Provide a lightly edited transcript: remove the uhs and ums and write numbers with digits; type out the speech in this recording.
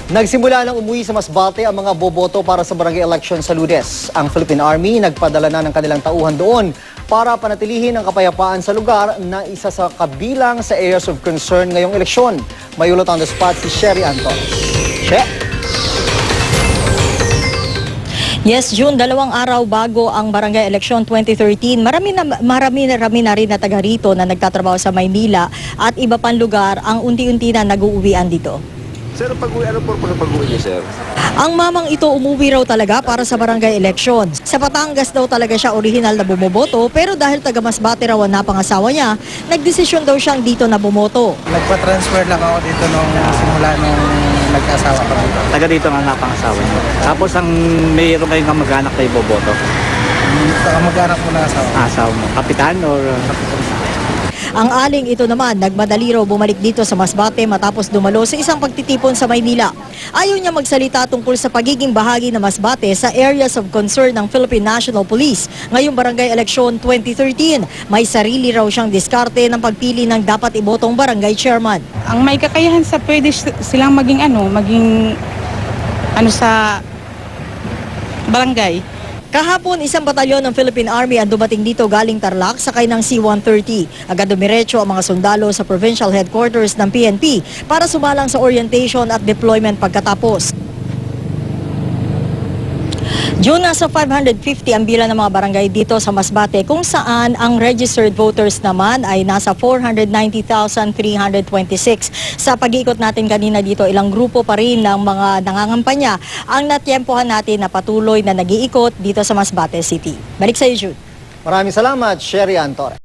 Nagsimula ng umuwi sa Masbate ang mga boboto para sa barangay election sa Lunes. Ang Philippine Army nagpadala na ng kanilang tauhan doon para panatilihin ang kapayapaan sa lugar na isa sa kabilang sa areas of concern ngayong eleksyon. May ulot on the spot si Sherry Anton. She? Yes, June, 2 araw bago ang Barangay Election 2013, marami na rin na taga rito na nagtatrabaho sa Maynila at iba pang lugar ang unti-unti na nag-uuwian dito. Sir, ano po pag-uwi niyo, sir? Ang mamang ito umuwi raw talaga para sa barangay election. Sa Batangas daw talaga siya orihinal na bumoboto, pero dahil taga Masbate raw ang napangasawa niya, nagdesisyon daw siyang dito na bumoto. Nagpa-transfer lang ako dito nung simula nung nagkasawa kami. Taga dito nga napangasawa niyo. Tapos ang mayroon kayong kamag-anak na iboboto? Kamag-anak ko na asawa. Asawa mo? Kapitan or Ang aling ito naman, nagmadali raw bumalik dito sa Masbate matapos dumalo sa isang pagtitipon sa Maynila. Ayaw niya magsalita tungkol sa pagiging bahagi ng Masbate sa areas of concern ng Philippine National Police. Ngayong Barangay Election 2013, may sarili raw siyang diskarte ng pagpili ng dapat ibotong barangay chairman. Ang may kakayahan sa pwede silang maging sa barangay. Kahapon, isang batalyon ng Philippine Army ang dumating dito galing Tarlac sakay ng C-130. Agad dumiretso ang mga sundalo sa provincial headquarters ng PNP para sumalang sa orientation at deployment pagkatapos. June, nasa 550 ang bilang ng mga barangay dito sa Masbate kung saan ang registered voters naman ay nasa 490,326. Sa pag-iikot natin kanina dito, ilang grupo pa rin ng mga nangangampanya ang natyempohan natin na patuloy na nag-iikot dito sa Masbate City. Balik sa iyo, Jude. Maraming salamat, Sherry Anton.